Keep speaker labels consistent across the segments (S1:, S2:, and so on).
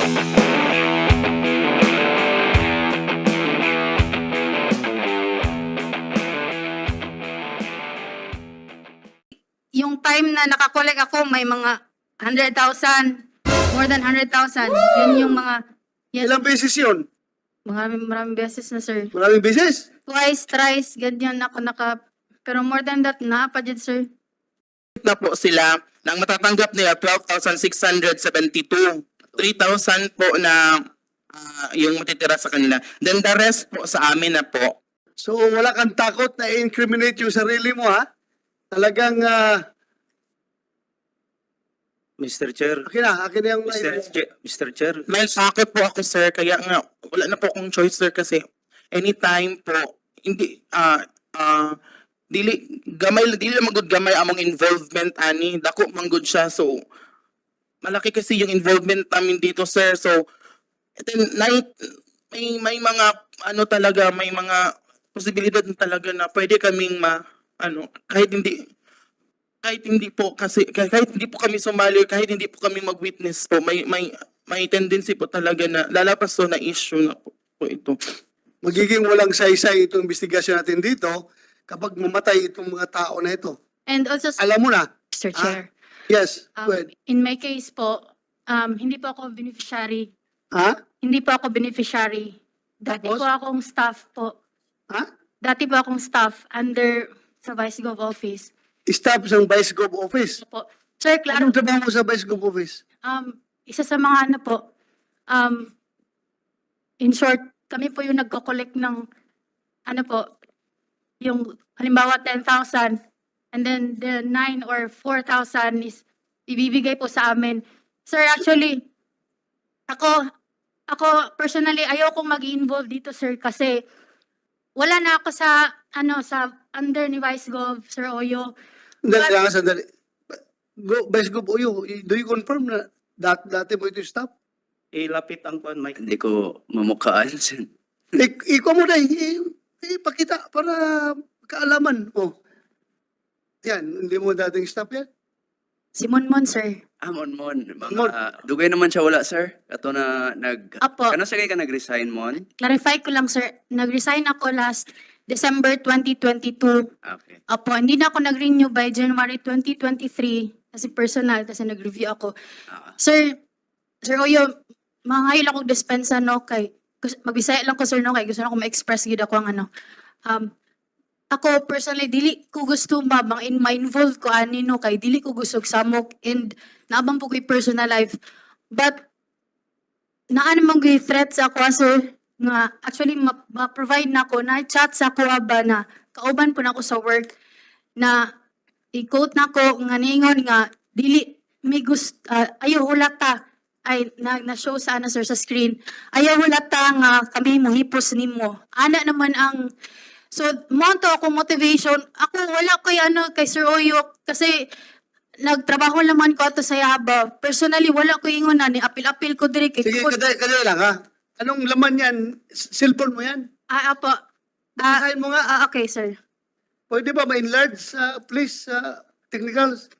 S1: Yung time na nakakolek ako, may mga 100,000, more than 100,000. Yun yung mga, yes,
S2: Ilang beses yun?
S1: maraming beses na, sir.
S2: Maraming beses?
S1: Twice, thrice, ganyan ako pero more than that, pa dyan, sir.
S3: Na po sila, nang matatanggap nila 12,672. 3,000 po na yung matitira sa kanila. Then the rest po sa amin na po.
S2: So wala kang takot na incriminate yung sarili mo, ha? Talagang,
S4: Mr. Chair,
S2: akin na yung...
S4: Mr. Chair,
S3: May sakit po ako, sir, kaya nga wala na po akong choice, sir, kasi anytime po, hindi, dili magud gamay among involvement ani, dako manggod siya, so malaki kasi yung involvement namin dito, sir. So then may mga talaga, may mga posibilidad na talaga na pwede kaming kahit hindi po kami sumali, kahit hindi po kami mag-witness po, may tendency po talaga na lalapas to na issue na po ito.
S2: Magiging walang saysay itong investigasyon natin dito kapag mamatay itong mga tao na ito.
S1: And also,
S2: Alam mo na.
S1: Mr. Chair,
S2: Yes, go ahead.
S1: in my case po, hindi po ako beneficiary.
S2: Ha?
S1: Hindi po ako beneficiary. Dati
S2: Tapos?
S1: po akong staff po.
S2: Ha?
S1: Dati po akong staff under sa Vice Gov Office.
S2: Staff ng Vice Gov Office.
S1: Po. Sir, klaro,
S2: Anong trabaho mo sa Vice Gov Office?
S1: isa sa mga in short, kami po yung nagko-collect ng yung halimbawa 10,000 and then the 9 or 4,000 is ibibigay po sa amin. Sir, actually, ako personally ayoko mag-involve dito, sir, kasi wala na ako sa under ni Vice Gov, Sir Oyo.
S2: Sandali. Vice Gov Oyo, do you confirm na dati mo ito yung staff?
S4: ilapit ang kwan, Mike. Hindi ko mamukhaan.
S2: Ikaw mo na, ipakita para kaalaman. Oh. Yan, hindi mo dating staff yan?
S1: Si Monmon, sir.
S4: Mon.
S2: Mon.
S4: Dugay naman siya wala, sir. Kato na
S1: Apo.
S4: Kano sa kay ka nag-resign, Mon?
S1: Clarify ko lang, sir. Nag-resign ako last December 2022.
S4: Okay.
S1: Apo, hindi na ako nag-renew by January 2023 kasi personal, kasi nag-review ako. Sir Oyo, mangahil ako dispensa, no, kay magbisaya lang ko, sir, no, kay gusto na ako ma-express gid ako ang ako personally dili ko gusto ma-involve ko ani, no, kay dili ko gusto samok and naabang po ko'y personal life, but naan man ko'y threat sa ako, sir, nga actually ma-provide na ako na chat sa ako ba na kauban po na ako sa work na i-quote na ko nga ningon nga dili may gusto ayaw hulata ay na-show sa sir sa screen. Ayaw hulata nga kami mohipos nimo. Ana naman ang so monto ako motivation. Ako wala ko kay Sir Oyo kasi nagtrabaho naman ko ato sa Yaba. Personally wala ko ingon na ni apil-apil ko diri kay
S2: Sige, kadali lang, ha? Anong laman yan? Cellphone mo yan?
S1: apo.
S2: Basahin mo nga.
S1: Okay, sir.
S2: Pwede ba ma-enlarge, please, technicals?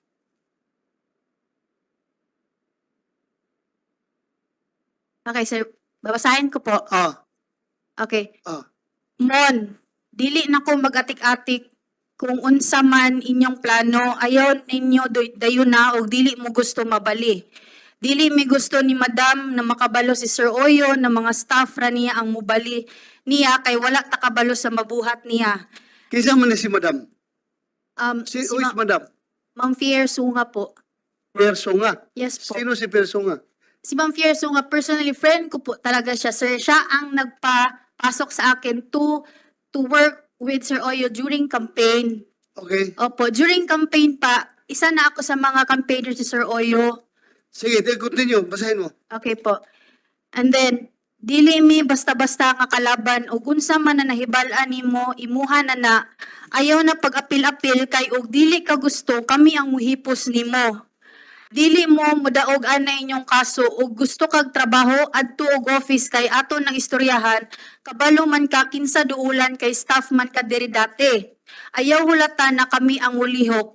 S1: Okay, sir. Babasahin ko po. Okay.
S2: Ah.
S1: Mon, dili na ko mag-atik-atik kung unsa man inyong plano, ayaw ninyo dayon na o dili mo gusto mabali. Dili mi gusto ni Madam na makabalo si Sir Oyo na mga staff ra niya ang mubali niya kay wala takabalo sa mabuhat niya.
S2: Kinsa man ni si Madam? Who is Madam?
S1: Ma'am Fier Sunga po.
S2: Persunga.
S1: Yes po.
S2: Sino si Persunga?
S1: Si Ma'am Fier Sunga, personally friend ko po talaga siya, sir. Siya ang nagpapasok sa akin to work with Sir Oyo during campaign.
S2: Okay.
S1: Opo, during campaign pa, isa na ako sa mga campaigners si Sir Oyo.
S2: Sige, continue. Basahin mo.
S1: Okay po. And then, dili mi basta-basta nga kalaban o unsa man na nahibalaan nimo imuha na ayaw na pag-apil-apil kay og dili ka gusto kami ang muhipos nimo. Dili mo mudaog ana inyong kaso ug gusto kag trabaho adto og office kay aton nang istoryahan kabalo man ka kinsa duulan kay staff man ka diri dati. Ayaw hulata na kami ang ulihok.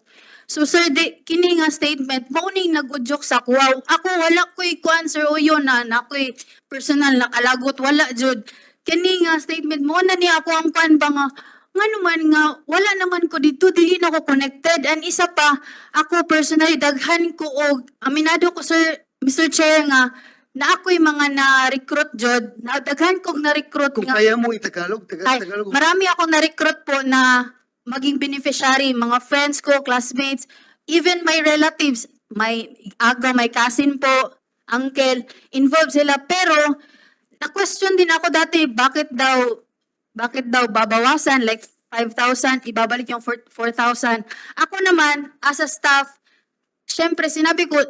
S1: So sir, kini nga statement, mauning nag-udyok sa kuwaw. Ako wala ko'y kuan sir o yun na ako'y personal na kalagot, wala jud. Kini nga statement mo na niya ako ang kuan ba nga naman nga, wala naman ko dito, dili na ko connected. And isa pa, ako personally, daghan ko og aminado ko sir, Mr. Chair nga, na ako'y mga na-recruit jud, na daghan kong na-recruit
S2: Kung
S1: nga.
S2: kaya mo itagalog,
S1: Ay,
S2: Tagalog.
S1: marami akong na-recruit po na maging beneficiary, mga friends ko, classmates, even my relatives, may aga, may cousin po, uncle, involved sila. Pero, na-question din ako dati, bakit daw babawasan, like 5,000, ibabalik yung 4,000. Ako naman, as a staff, syempre, sinabi ko,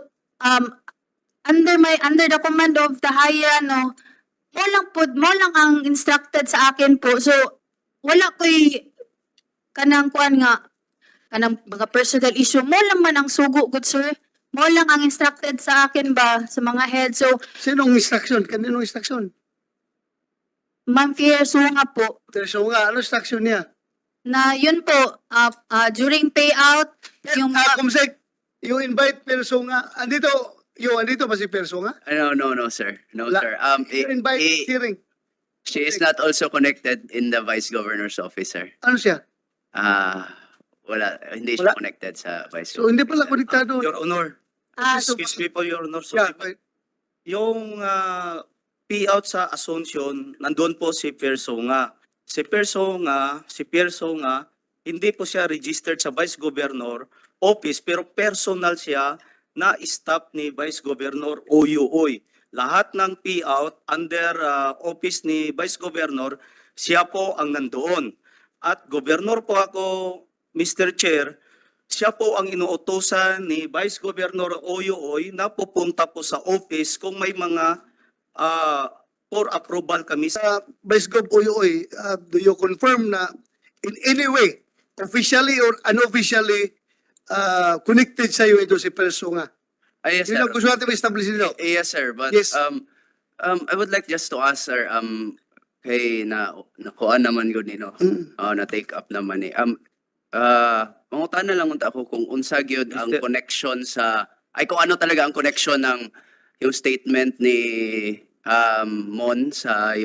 S1: under the command of the higher, mo lang ang instructed sa akin po. So, wala ko'y kanang kuan nga, kanang mga personal issue. Mo lang man ang sugo, good sir. Mo lang ang instructed sa akin ba, sa mga head. So,
S2: Sinong instruction? Kaninong instruction?
S1: Ma'am Fierce nga po,
S2: So nga, ano instruction niya?
S1: na yun po, during payout, yung mga,
S2: Kumsek, you invite Perso nga. Andito ba si Perso nga?
S4: No, sir. No,
S2: Wala.
S4: sir.
S2: You invite hearing.
S4: She is not also connected in the Vice Governor's office, sir.
S2: Ano siya?
S4: Wala, hindi siya
S2: Wala.
S4: connected sa Vice
S2: So hindi pala konektado.
S5: Your Honor,
S2: so-
S5: excuse me po, Your Honor. So,
S2: Yeah,
S5: yung payout sa Asuncion, nandun po si Persona. Si Persona, hindi po siya registered sa Vice Governor Office, pero personal siya na staff ni Vice Governor Oyuoy. Lahat ng payout under office ni Vice Governor, siya po ang nandoon. At Governor po ako, Mr. Chair, siya po ang inuutosan ni Vice Governor Oyuoy na pupunta po sa office kung may mga for approval kami sa
S2: Vice Gov Uyoy, do you confirm na in any way, officially or unofficially, connected sa iyo ito si Perso nga?
S4: Yes,
S2: Yun
S4: sir.
S2: ang gusto natin ma-establish nito.
S4: Yes, sir. But
S2: Yes.
S4: I would like just to ask, sir, kay nakuha naman yun, na take up naman eh. Mangutan na lang unta ako kung unsa gyud ang
S5: Mr.
S4: connection sa kung ano talaga ang connection ng yung statement ni Mon sa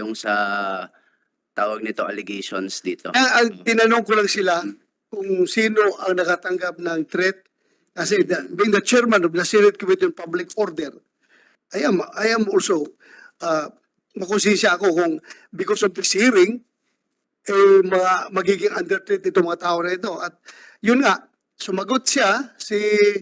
S4: tawag nito allegations dito.
S2: Ang tinanong ko lang sila kung sino ang nakatanggap ng threat kasi being the chairman of the Senate Committee on Public Order, I am also makonsensya ako kung because of this hearing magiging under threat itong mga tao na ito. At yun nga, sumagot siya si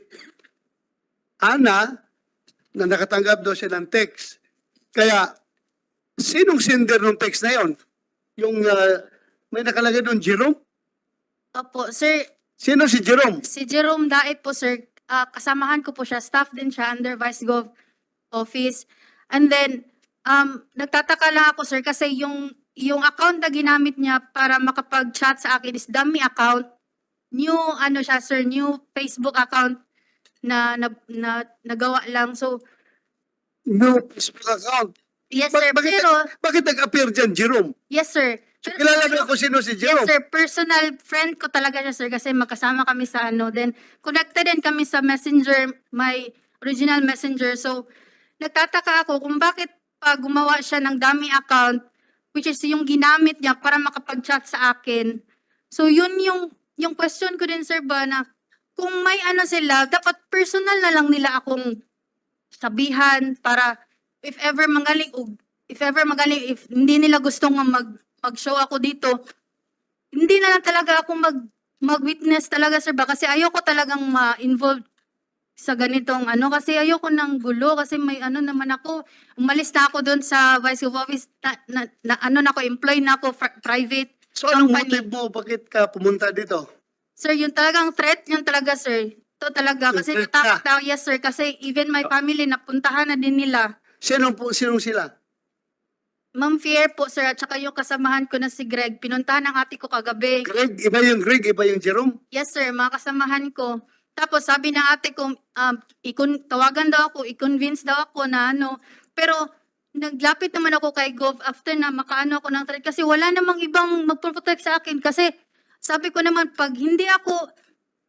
S2: Ana na nakatanggap daw siya ng text. Kaya, sinong sender ng text na yon? Yung may nakalagay doon, Jerome?
S1: opo, sir,
S2: Sino si Jerome?
S1: si Jerome Daet po, sir, kasamahan ko po siya, staff din siya under Vice Gov office. And then, nagtataka lang ako, sir, kasi yung account na ginamit niya para makapag-chat sa akin is dummy account. New, siya, sir, new Facebook account na nagawa lang. So,
S2: No Facebook account.
S1: yes, sir,
S2: Bakit,
S1: pero,
S2: bakit nag-appear dyan, Jerome?
S1: yes, sir. Pero,
S2: Kilala mo kung sino si
S1: yes,
S2: Jerome?
S1: sir. Personal friend ko talaga siya, sir, kasi magkasama kami sa Then, connected din kami sa messenger, my original messenger. So, nagtataka ako kung bakit pa gumawa siya ng dummy account, which is yung ginamit niya para makapag-chat sa akin. So, yun yung question ko din, sir, ba, na kung may sila, dapat personal na lang nila akong sabihan para if ever magaling, if hindi nila gustong mag-show ako dito, hindi na lang talaga ako mag-witness talaga, sir, ba? Kasi ayoko talagang ma-involve sa ganitong kasi ayoko ng gulo kasi may naman ako, umalis na ako doon sa Vice of Office, employee na ako, private.
S2: So anong
S1: company.
S2: motive mo? Bakit ka pumunta dito?
S1: Sir, yung talagang threat, yun talaga, sir. Ito talaga,
S2: Yung
S1: kasi
S2: threat
S1: natakot na, yes, sir, kasi even my family, napuntahan na din nila.
S2: Sinong sila?
S1: Ma'am Fier po, sir, at saka yung kasamahan ko na si Greg, pinuntahan ng ate ko kagabi.
S2: Greg, iba yung Jerome?
S1: Yes, sir, mga kasamahan ko. Tapos sabi ng ate ko, tawagan daw ako, i-convince daw ako na Pero naglapit naman ako kay Gov after na makaano ako ng threat kasi wala namang ibang magpo-protect sa akin kasi sabi ko naman pag hindi ako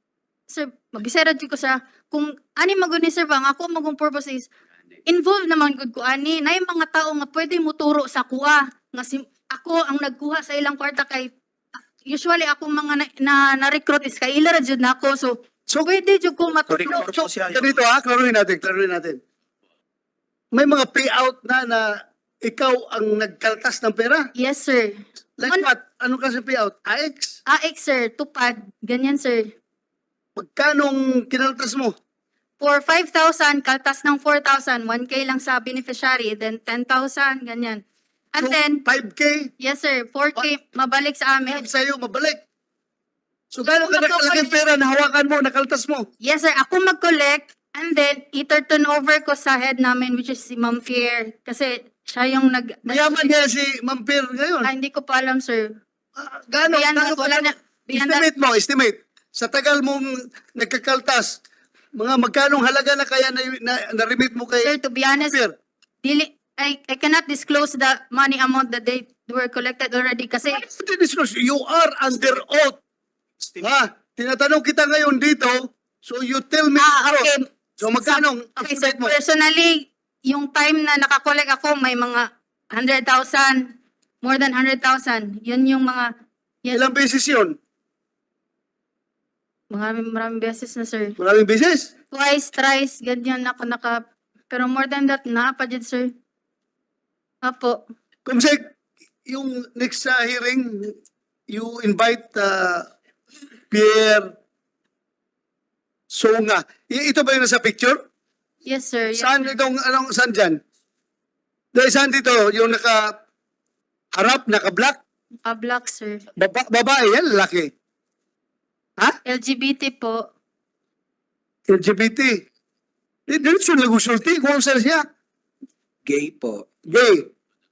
S1: sir, magisera jud ko sa kung ani magud ni sir ba ang ako magong purpose is involved naman gud ko ani nay mga tao nga pwede mo turo sa kuha nga ako ang nagkuha sa ilang kwarta kay usually ako mga na-recruit is kay ila ra jud nako so pwede jud ko matuturo.
S5: Corrector po siya.
S2: Ganito klaruhin natin. May mga payout na ikaw ang nagkaltas ng pera.
S1: Yes sir.
S2: Like
S1: Ano?
S2: what? Ano kasi payout? AX?
S1: AX sir, tupad, ganyan sir.
S2: Magkanong kinaltas mo?
S1: For 5,000, kaltas ng 4,000, 1K lang sa beneficiary, then 10,000, ganyan. And
S2: So,
S1: then,
S2: 5K,
S1: yes sir, 4K, mabalik sa amin.
S2: help sa'yo, mabalik. So, gano'n ka
S1: Kung
S2: nakalaking pera na hawakan mo, nakaltas mo?
S1: Yes sir, ako mag-collect, and then, i-turn over ko sa head namin, which is si Ma'am Fier. Kasi, siya yung
S2: Mayaman niya si Ma'am Pierre ngayon.
S1: hindi ko pa alam sir.
S2: Gano'n?
S1: Beyond that, wala na. Beyond that,
S2: Estimate. Sa tagal mong nagkakaltas, mga magkanong halaga na kaya na-remit mo kay
S1: sir, to be honest,
S2: Pierre?
S1: I cannot disclose the money amount that they were collected already kasi
S2: You are under oath. Ha? Tinatanong kita ngayon dito, so you tell me.
S1: okay.
S2: So magkano?
S1: Okay, sir,
S2: Estimate mo.
S1: personally, yung time na nakakolek ako, may mga 100,000, more than 100,000. Yun yung mga, yes,
S2: Ilang beses yun?
S1: maraming beses na, sir.
S2: Maraming beses.
S1: Twice, thrice, ganyan ako pero more than that, pa dyan, sir. Apo.
S2: Kumsek, yung next hearing, you invite Pierre Songa. Ito ba yung nasa picture?
S1: Yes, sir. Yes,
S2: Saan itong, saan dyan? Dahil saan dito? Yung naka-harap, naka-black?
S1: black, sir.
S2: Babae yan, lalaki.
S1: LGBT po.
S2: LGBT. Diretso nag-usulti kung saan siya.
S6: Gay po.
S2: Gay.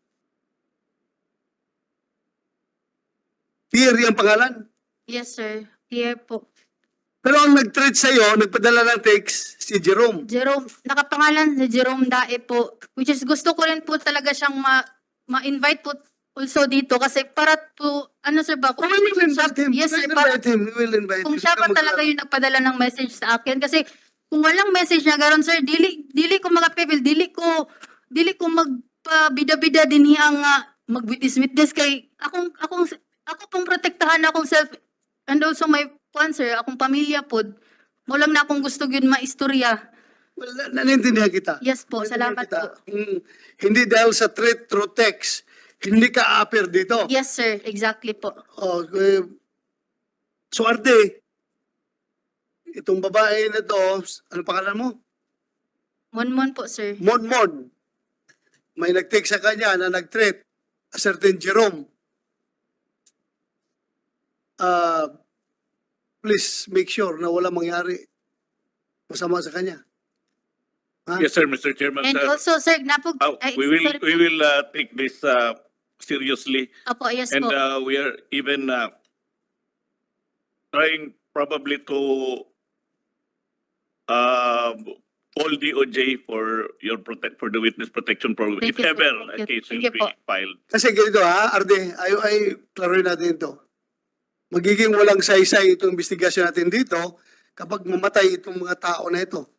S2: Pierre yung pangalan.
S1: Yes, sir. Here po.
S2: Pero ang nag-treat sa'yo, nagpadala ng text, si Jerome.
S1: Jerome, nakapangalan si Jerome Dae po. Which is gusto ko rin po talaga siyang ma-invite po also dito kasi para to, sir ba?
S2: We will invite him.
S1: Yes,
S2: We
S1: sir.
S2: will invite him. We will invite
S1: Kung
S2: him.
S1: siya pa talaga yung nagpadala ng message sa akin kasi kung walang message na garon sir dili ko magapipil dili ko magpabida-bida din ang mag-witness kay ako pong protektahan akong self and also my sir akong pamilya pod mo lang na akong gusto gyud maistorya.
S2: Well, nanintindihan kita.
S1: Yes po,
S2: Nanintindihan
S1: salamat
S2: kita.
S1: po.
S2: Hindi dahil sa threat through text, hindi ka appear dito.
S1: Yes sir, exactly po.
S2: So Arte, itong babae na to, ano pangalan mo?
S1: Monmon po sir.
S2: Monmon. May nag-text sa kanya na nag-threat a certain Jerome. Please make sure na wala mangyari masama sa kanya.
S7: Yes, sir, Mr. Chairman,
S1: And
S7: sir.
S1: also sir napog
S7: We will take this seriously,
S1: Apo, yes
S7: and
S1: po.
S7: we are even trying probably to call DOJ for for the witness protection program,
S1: Thank
S7: if
S1: you, sir.
S7: ever
S1: Thank you.
S7: a case
S1: Thank
S7: will
S1: you po.
S7: be filed.
S2: Kasi ganito Arde, ay klaruhin natin ito. Magiging walang saysay itong investigasyon natin dito kapag mamatay itong mga tao na ito.